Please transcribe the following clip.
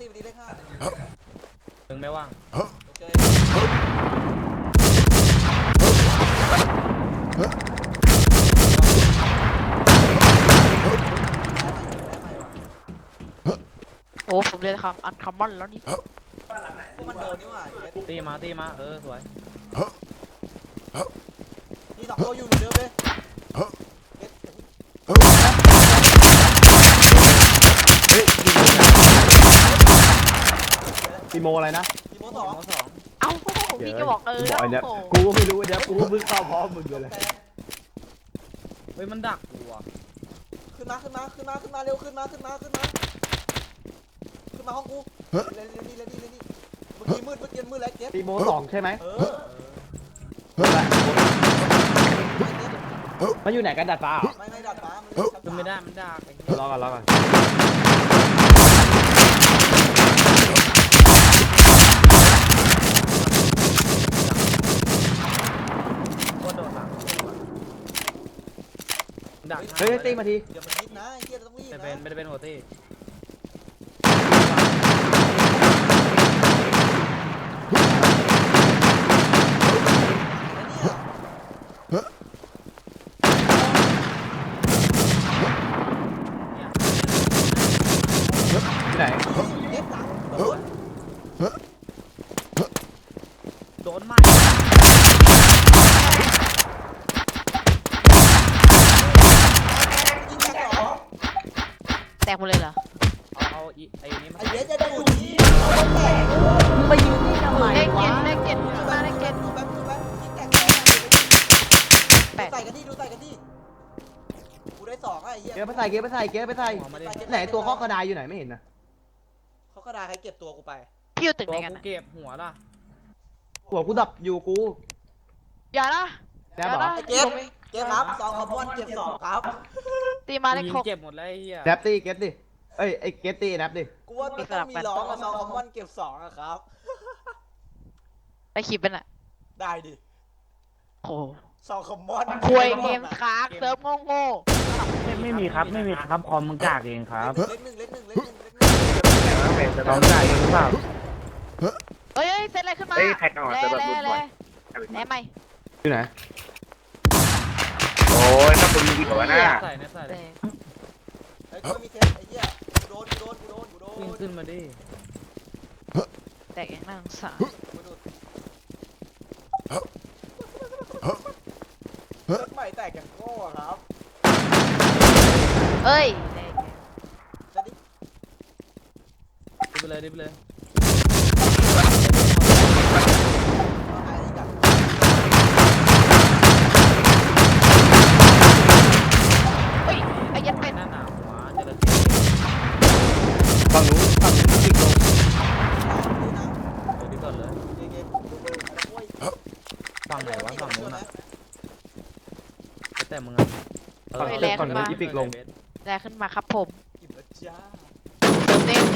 ตีไปดีเลขห้ามึงไม่ว่างโอเคโอ้ผมเรียนคำอันคอมมอนแล้วนี่พวกมันโดนนี่หว่าตีมาสวยมีสองตัวอยู่เหมือนเดิมเลยตีโมอะไรนะทีโมสองเอ้าพี่ก็บอกบอกไอ้เนี้ยโอ้กูก็ไม่รู้ไอ้เนี้ยกูเพิ่งเข้าพร้อมมึงเลยเฮ้ยมันดักกูอ่ะขึ้นมาเร็วขึ้นมาห้องกูเร็วนี่เมื่อกี้มืดแล้วเก็บตีโม2ใช่ไหมมันอยู่ไหนกันดัดฟ้าไม่ดัดฟ้าขึ้นไม่ได้มันดักรอก่อนก็โดนหลังดักเฮ้ยตีมาทีเดี๋ยวมันนิดนะเฮียต้องรีบนะไม่ได้เป็นหัวตีที่ไหนโดนไหมแตกหมดเลยเหรอเอาไอ้นี้มาไอ้เหี้ยจะดูที่ไปยืนนี่ทำไมวะเลขเจ็ดมาเลขเจ็ดดูแป๊บใส่กันดิกูได้2ไอ้เหี้ยเก็บไปใส่ไหนตัวข้อกระดาษอยู่ไหนไม่เห็นนะเขาก็ได้ใครเก็บตัวกูไปพี่อยู่ตึกตัไหวนกันกูเก็บหัวล่ะหัวกูดับอยู่กูอย่านะแล้เหรอเก็บครับ2คอมมอนเก็บ2ครับตีมาเลขยิง 6 เก็บหมดเลยไอ้เหี้ยแรปตี้เก็ตดิเอ้ยไอ้เก็ตตี้แรปดิกูว่าต้องมีร้องกับ2คอมมอนเก็บ2อะครับไปขีดเป็นอ่ะได้ดิโอ้ 2คอมมอนควยเกมค้างเซิร์ฟโง่ไม่มีครับคอมมึงกากเองครับเล็กหนึ่งจะต้องจ่ายเองหรือเปล่าเฮ้ยเซตอะไรขึ้นมาแหนใหม่อยู่ไหนโอ้ยถ้าคุณมีหัวหน้าใส่นะใส่ไอ้กูมีเทสไอ้เหี้ยกูโดนขึ้นมาดิแตกอย่างน่าสงสารเลิกใหม่แตกอย่างโง่ครับเอ้ยจะดิดิไปเลยหายกันเฮ้ยไอ้ยันเป็นหน้าหนาวหัวเจริญฝั่งนู้นติ๊กลงเดี๋ยวดิก่อนเลยฝั่งไหนวะฝั่งนู้นอ่ะแต่มึงอ่ะฝั่งนู้นอีพิกลงแรงขึ้นมาครับผมกินแล้วจ้าเติมเต็ม